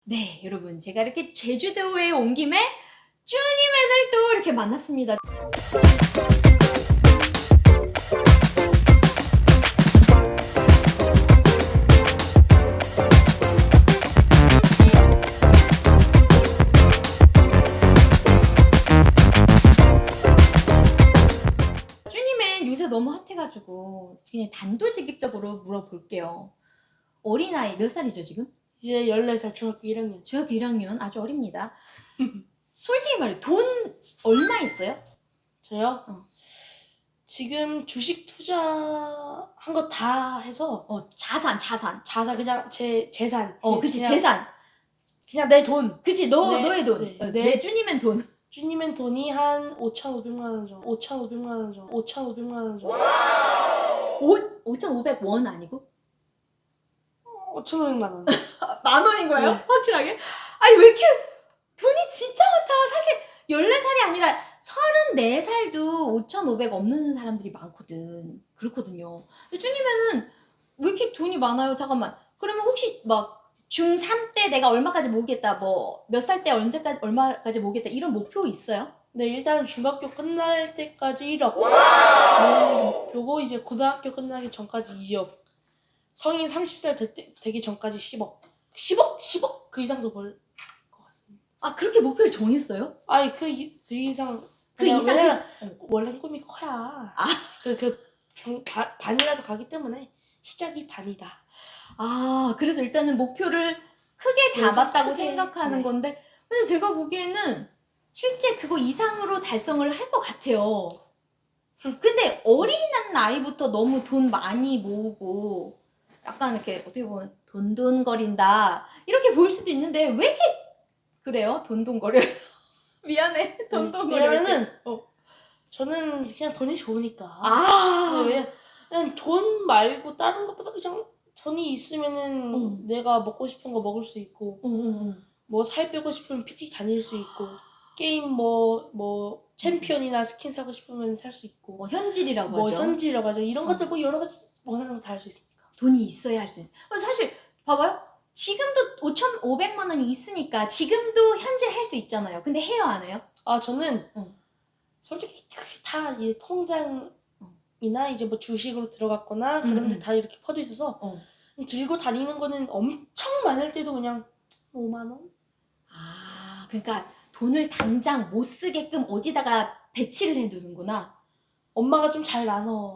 네, 여러분, 제가 이렇게 제주도에 온 김에 쭈니맨을 또 이렇게 만났습니다. 쭈니맨 요새 너무 핫해가지고 그냥 단도직입적으로 물어볼게요. 어린아이 몇 살이죠, 지금? 이제 14살 중학교 1학년. 중학교 1학년 아주 어립니다. 솔직히 말해, 돈 얼마 있어요? 저요? 지금 주식 투자한 거 다 해서 자산. 자산 그냥 제 재산. 그치, 그냥, 재산. 그냥 내 돈. 그치, 네, 너의 돈. 네. 내 쭈니맨 돈. 주님은 돈이 한 5,500만 원 정도. 5,500만 원 정도. 5,500원 아니고? 5,500만 원. 만 원인 거예요? 네. 확실하게? 아니, 왜 이렇게 돈이 진짜 많다. 사실 14살이 아니라 34살도 5,500 없는 사람들이 많거든. 그렇거든요. 근데 쭈님은 왜 이렇게 돈이 많아요? 잠깐만. 그러면 혹시 막 중3 때 내가 얼마까지 모으겠다, 뭐 몇 살 때 언제까지 얼마까지 모으겠다 이런 목표 있어요? 네, 일단 중학교 끝날 때까지 1억. 요거 이제 고등학교 끝나기 전까지 2억. 성인 30살 되기 전까지 10억. 10억? 그 이상도 벌 것 같습니다. 아, 그렇게 목표를 정했어요? 아니 그 이상 그 이상 왜냐면 원래 꿈이 커야 반이라도 가기 때문에 시작이 반이다. 아, 그래서 일단은 목표를 크게 잡았다고 크게, 생각하는 네. 건데, 근데 제가 보기에는 실제 그거 이상으로 달성을 할 것 같아요. 근데 어린 나이부터 너무 돈 많이 모으고 약간 이렇게 어떻게 보면 돈돈거린다 이렇게 보일 수도 있는데 왜 이렇게 그래요? 돈돈거려요? 미안해, 돈돈거려. 왜냐면은 저는 그냥 돈이 좋으니까. 아, 그냥 돈 말고 다른 것보다 그냥 돈이 있으면은 내가 먹고 싶은 거 먹을 수 있고 뭐 살 빼고 싶으면 PT 다닐 수 있고 게임 뭐 챔피언이나 스킨 사고 싶으면 살 수 있고 뭐 현질이라고 뭐 하죠. 현질이라고 하죠. 이런 것들 뭐 여러 가지 원하는 거 다 할 수 있으니까. 돈이 있어야 할 수 있어요. 사실 봐봐요. 지금도 5,500만 원이 있으니까 지금도 현질 할 수 있잖아요. 근데 해요, 안 해요? 아 저는 솔직히 그게 다 이 통장이나 이제 뭐 주식으로 들어갔거나 그런 데 다 이렇게 퍼져 있어서 들고 다니는 거는 엄청 많을 때도 그냥 5만 원? 아, 그러니까 돈을 당장 못 쓰게끔 어디다가 배치를 해두는구나. 엄마가 좀 잘 나눠.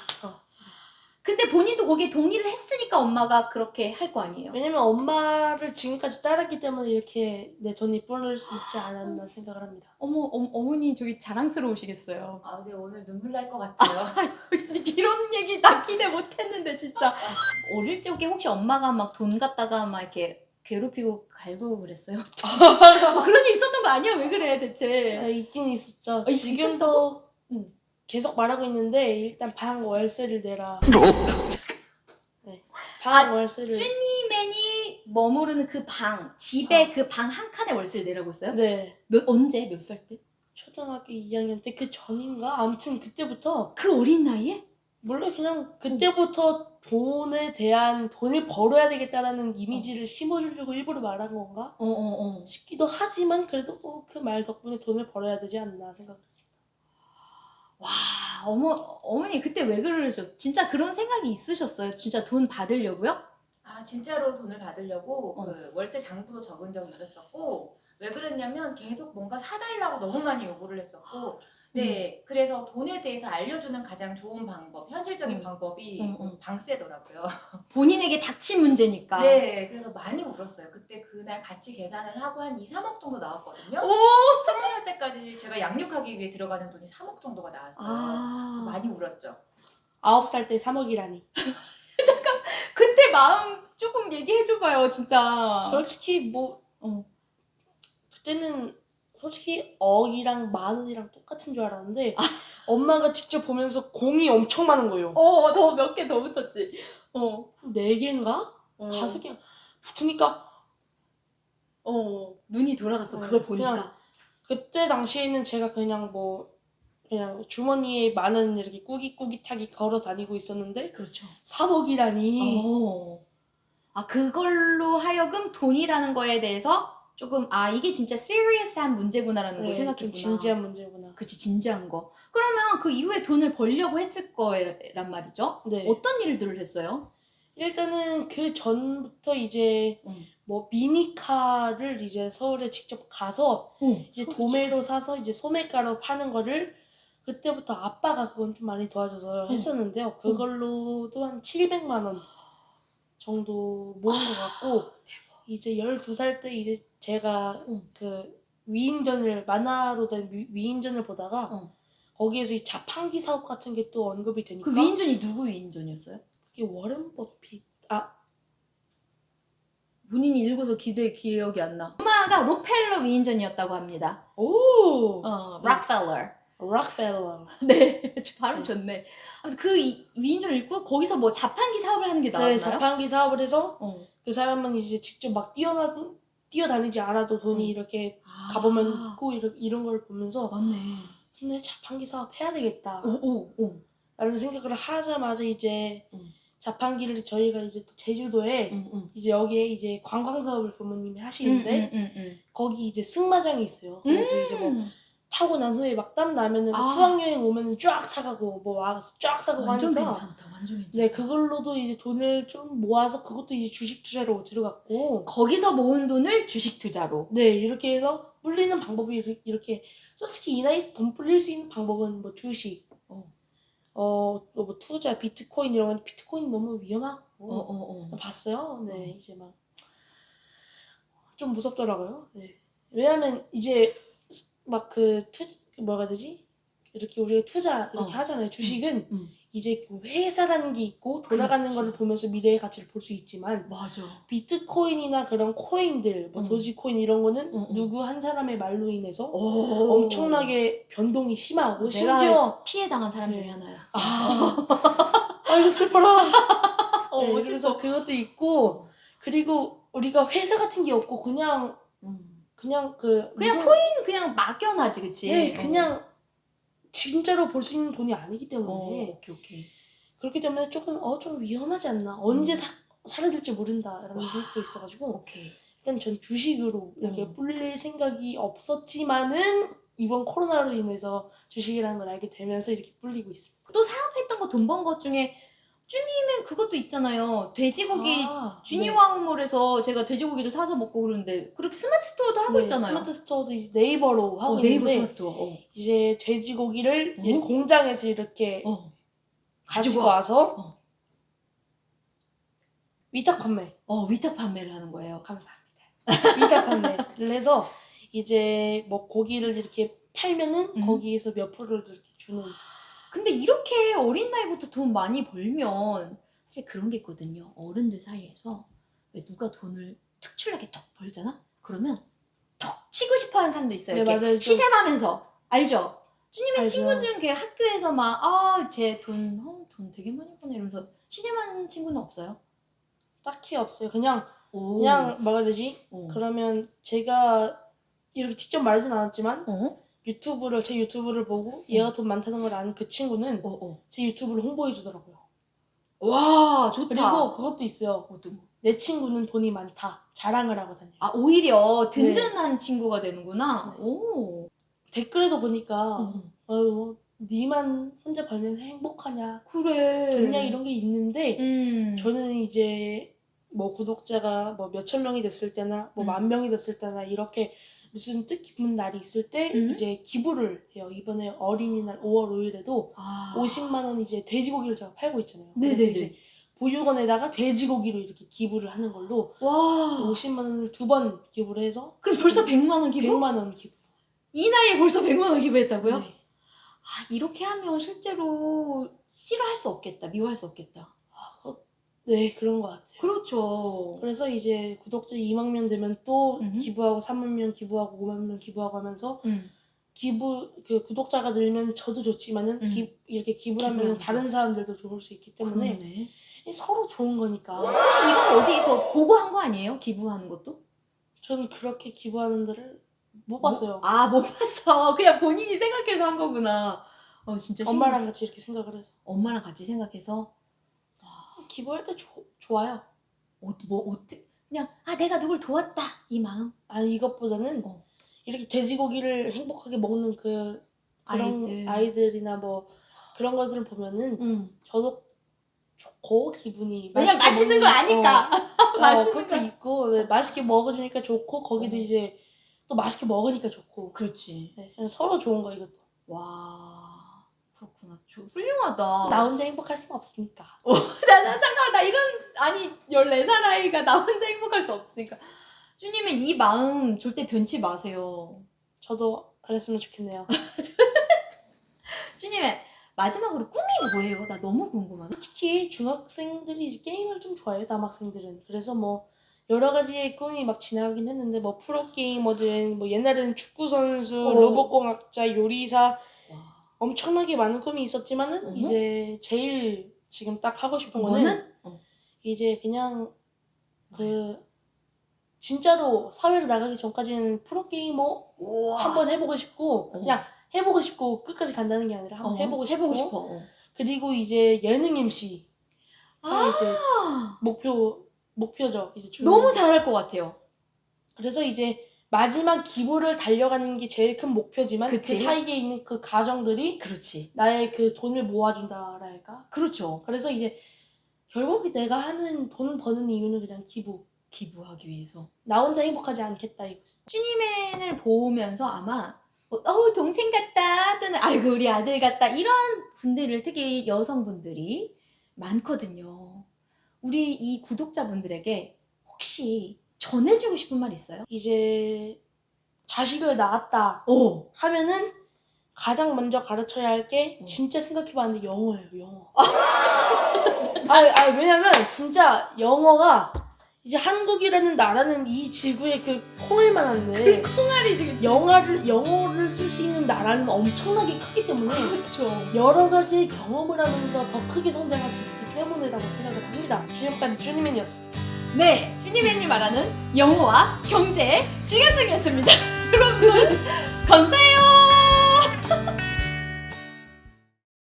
근데 본인도 거기에 동의를 했으니까 엄마가 그렇게 할 거 아니에요. 왜냐면 엄마를 지금까지 따랐기 때문에 이렇게 내 돈이 불어날 수 있지 않았나 생각을 합니다. 어머니 저기 자랑스러우시겠어요. 아, 네, 오늘 눈물 날 것 같아요. 이런 얘기 나 기대 못했는데 진짜. 어릴 적에 혹시 엄마가 막 돈 갖다가 막 이렇게 괴롭히고 갈고 그랬어요? 그런 일 있었던 거 아니야? 왜 그래 대체? 있긴 있었죠. 있었다고? 지금도 계속 말하고 있는데 일단 방 월세를 내라. 네, 방 월세를. 쭈니맨이 머무르는 그 방, 집에 그 방 한 칸에 월세를 내라고 했어요? 네. 언제? 몇 살 때? 초등학교 2학년 때 그 전인가? 아무튼 그때부터 그 어린 나이에? 몰라 그냥 그때부터 돈을 벌어야 되겠다라는 이미지를 심어주려고 일부러 말한 건가? 싶기도 하지만 그래도 그 말 덕분에 돈을 벌어야 되지 않나 생각했습니다. 와, 어머니 그때 왜 그러셨어요? 진짜 그런 생각이 있으셨어요? 진짜 돈 받으려고요? 아, 진짜로 돈을 받으려고 그 월세 장부도 적은 적이 있었었고, 왜 그랬냐면 계속 뭔가 사달라고 너무 많이 요구를 했었고, 네, 그래서 돈에 대해서 알려주는 가장 좋은 방법, 현실적인 방법이 방세더라고요. 본인에게 닥친 문제니까. 네, 그래서 많이 울었어요. 그때 그날 같이 계산을 하고 한 2, 3억 정도 나왔거든요. 오! 20살 때까지 제가 양육하기 위해 들어가는 돈이 3억 정도가 나왔어요. 그래서 많이 울었죠. 9살 때 3억이라니. 그때 마음 조금 얘기해줘봐요, 진짜. 솔직히 그때는 솔직히 억이랑 만 원이랑 똑같은 줄 알았는데 엄마가 직접 보면서 공이 엄청 많은 거예요. 더 몇 개 더 붙었지. 4개인가? 5개 붙으니까 눈이 돌아갔어, 그걸 보니까. 그냥 그때 당시에는 제가 그냥 주머니에 만 원 이렇게 꾸깃꾸깃하게 걸어 다니고 있었는데 그렇죠. 3억이라니. 아, 그걸로 하여금 돈이라는 거에 대해서 조금 이게 진짜 serious한 문제구나라는 걸 좀 생각했구나. 진지한 문제구나. 그치, 진지한 거. 그러면 그 이후에 돈을 벌려고 했을 거란 말이죠? 네. 어떤 일들을 했어요? 일단은 그 전부터 이제 뭐 미니카를 이제 서울에 직접 가서 이제 도매로 사서 이제 소매가로 파는 거를 그때부터 아빠가 그건 좀 많이 도와줘서 했었는데요. 그걸로도 한 700만 원 정도 모은 것 같고 이제 12살 때 이제 제가 그 위인전을 만화로 된 위인전을 보다가 거기에서 이 자판기 사업 같은 게 또 언급이 되니까 그 위인전이 누구 위인전이었어요? 그게 워렌 버핏 본인이 읽어서 기억이 안 나. 엄마가 록펠러 위인전이었다고 합니다. 오 락펠러. 락펠러. 네, 발음 좋네. 아무튼 그 위인전을 읽고 거기서 뭐 자판기 사업을 하는 게 나왔나요? 네, 자판기 사업을 해서 그 사람은 이제 직접 막 뛰어다니지 않아도 돈이 이렇게 가보면 있고 이런 걸 보면서 맞네. 근데 자판기 사업 해야 되겠다. 오. 라는 생각을 하자마자 이제 자판기를 저희가 이제 또 제주도에 이제 여기에 이제 관광 사업을 부모님이 하시는데 거기 이제 승마장이 있어요. 그래서 이제 뭐 타고 난 후에 막 땀 나면은 수학여행 오면은 쫙 사가고 뭐 와서 쫙 사가고 완전 하니까 괜찮다. 완전 괜찮다. 네, 그걸로도 이제 돈을 좀 모아서 그것도 이제 주식 투자로 들어갔고 거기서 모은 돈을 주식 투자로. 네, 이렇게 해서 불리는 방법이 이렇게 솔직히 이 나이 돈 불릴 수 있는 방법은 뭐 주식 뭐 투자 비트코인 이런 건 비트코인 너무 위험하고 봤어요. 네, 이제 막 좀 무섭더라고요. 네. 왜냐면 이제 막 뭐가 해야 되지? 이렇게 우리가 투자 이렇게 하잖아요. 주식은 이제 그 회사라는 게 있고 돌아가는 그렇지. 거를 보면서 미래의 가치를 볼 수 있지만 맞아. 비트코인이나 그런 코인들, 뭐 도지코인 이런 거는 누구 한 사람의 말로 인해서 엄청나게 변동이 심하고 내가 심지어 피해 당한 사람 중에 하나야. 아이고 슬퍼라. 네, 슬퍼. 그래서 그것도 있고 그리고 우리가 회사 같은 게 없고 그냥 코인 그냥 막연하지, 그치? 네, 그냥 진짜로 볼 수 있는 돈이 아니기 때문에 오케이. 그렇기 때문에 조금 좀 위험하지 않나 언제 사라질지 모른다라는 생각도 있어가지고 오케이. 일단 전 주식으로 이렇게 불릴 생각이 없었지만은 이번 코로나로 인해서 주식이라는 걸 알게 되면서 이렇게 불리고 있습니다. 또 사업했던 거 돈 번 것 중에 쭈님은 그것도 있잖아요. 돼지고기 주니와우몰에서 제가 돼지고기를 사서 먹고 그러는데 그렇게 스마트 스토어도 하고 있잖아요. 스마트 스토어도 이제 네이버로 하고 네이버 있는데 스마트 스토어. 이제 돼지고기를 이제 공장에서 이렇게 가지고 와. 와서 위탁 판매. 위탁 판매를 하는 거예요. 감사합니다. 위탁 판매를 해서 이제 뭐 고기를 이렇게 팔면은 거기에서 몇 프로를 이렇게 주는. 근데 이렇게 어린 나이부터 돈 많이 벌면 사실 그런 게 있거든요. 어른들 사이에서 왜 누가 돈을 특출나게 턱 벌잖아? 그러면 턱 치고 싶어하는 사람도 있어요. 네, 이렇게 맞아요. 시샘하면서 알죠? 주님의 알죠. 친구 중에 이렇게 학교에서 막 쟤 돈 되게 많이 버네 이러면서 시샘하는 친구는 없어요? 딱히 없어요. 그냥 뭐가 되지? 그러면 제가 이렇게 직접 말하진 않았지만 제 유튜브를 보고 얘가 돈 많다는 걸 아는 그 친구는 제 유튜브를 홍보해 주더라고요. 와, 좋다. 그리고 그것도 있어요. 내 친구는 돈이 많다. 자랑을 하고 다녀요. 오히려 든든한 친구가 되는구나. 네. 오. 댓글에도 보니까 니만 혼자 벌면 행복하냐, 그래. 좋냐 이런 게 있는데 저는 이제 뭐 구독자가 뭐 몇천 명이 됐을 때나 뭐 만 명이 됐을 때나 이렇게 무슨 뜻깊은 날이 있을 때 이제 기부를 해요. 이번에 어린이날 5월 5일에도 50만 원 이제 돼지고기를 제가 팔고 있잖아요. 그래서 이제 보육원에다가 돼지고기로 이렇게 기부를 하는 걸로 50만 원을 2번 기부를 해서 그럼 벌써 100만 원 기부? 100만 원 기부. 이 나이에 벌써 100만 원 기부했다고요? 네. 이렇게 하면 실제로 싫어할 수 없겠다. 미워할 수 없겠다. 네, 그런 것 같아요. 그렇죠. 그래서 이제 구독자 2만 명 되면 또 기부하고 3만 명 기부하고 5만 명 기부하고 하면서 구독자가 늘면 저도 좋지만은 이렇게 기부를 하면 다른 사람들도 좋을 수 있기 때문에 그러네. 서로 좋은 거니까. 혹시 이건 어디에서 보고 한 거 아니에요? 기부하는 것도? 저는 그렇게 기부하는 데를 못 봤어요. 못 봤어. 그냥 본인이 생각해서 한 거구나. 진짜 엄마랑 같이 이렇게 생각을 해서. 엄마랑 같이 생각해서 기부할 때 좋아요. 그냥 내가 누굴 도왔다 이 마음. 아니 이것보다는 어. 이렇게 돼지고기를 행복하게 먹는 그런 아이들. 아이들이나 뭐 그런 것들을 보면은 저도 좋고 기분이 왜냐면 맛있는 걸 아니까. 맛있는 그것도 걸. 있고 네, 맛있게 먹어주니까 좋고 거기도 어. 이제 또 맛있게 먹으니까 좋고 그렇지. 네, 그냥 서로 좋은 거 이것도. 와 그렇구나. 훌륭하다. 나 혼자 행복할 수는 없으니까. 잠깐만 나 이런 아니 14살 아이가 나 혼자 행복할 수 없으니까. 쭈님은 이 마음 절대 변치 마세요. 저도 그랬으면 좋겠네요. 쭈님의 마지막으로 꿈이 뭐예요? 나 너무 궁금하다. 솔직히 중학생들이 이제 게임을 좀 좋아해요, 남학생들은. 그래서 뭐 여러 가지의 꿈이 막 지나가긴 했는데 뭐 프로게이머든 뭐 옛날에는 축구선수, 로봇공학자, 요리사 엄청나게 많은 꿈이 있었지만은 어허. 이제 제일 지금 딱 하고 싶은 거는 이제 그냥 그 진짜로 사회로 나가기 전까지는 프로게이머 한번 해보고 싶고 그냥 해보고 싶고 끝까지 간다는 게 아니라 한번 해보고 싶고 그리고 이제 예능 MC 이제 목표죠. 이제 너무 잘할 것 같아요. 그래서 이제 마지막 기부를 달려가는 게 제일 큰 목표지만 그치? 그 사이에 있는 그 가정들이 그렇지. 나의 그 돈을 모아준다랄까. 그렇죠. 그래서 이제 결국 내가 하는 돈 버는 이유는 그냥 기부하기 위해서. 나 혼자 행복하지 않겠다 이거. 쭈니맨을 보면서 아마 동생 같다 또는 아이고 우리 아들 같다 이런 분들을 특히 여성분들이 많거든요. 우리 이 구독자분들에게 혹시 전해주고 싶은 말 있어요? 이제 자식을 낳았다 하면은 가장 먼저 가르쳐야 할 게 진짜 생각해봤는데 영어예요. 영어. 왜냐면 진짜 영어가 이제 한국이라는 나라는 이 지구에 그 콩을 만한데 콩알이 지금 영어를 쓸 수 있는 나라는 엄청나게 크기 때문에 그렇죠. 여러 가지 경험을 하면서 더 크게 성장할 수 있기 때문이라고 생각을 합니다. 지금까지 쭈니맨이었습니다. 네, 쭈니맨이 말하는 영어와 경제의 중요성이었습니다. 여러분 감사해요.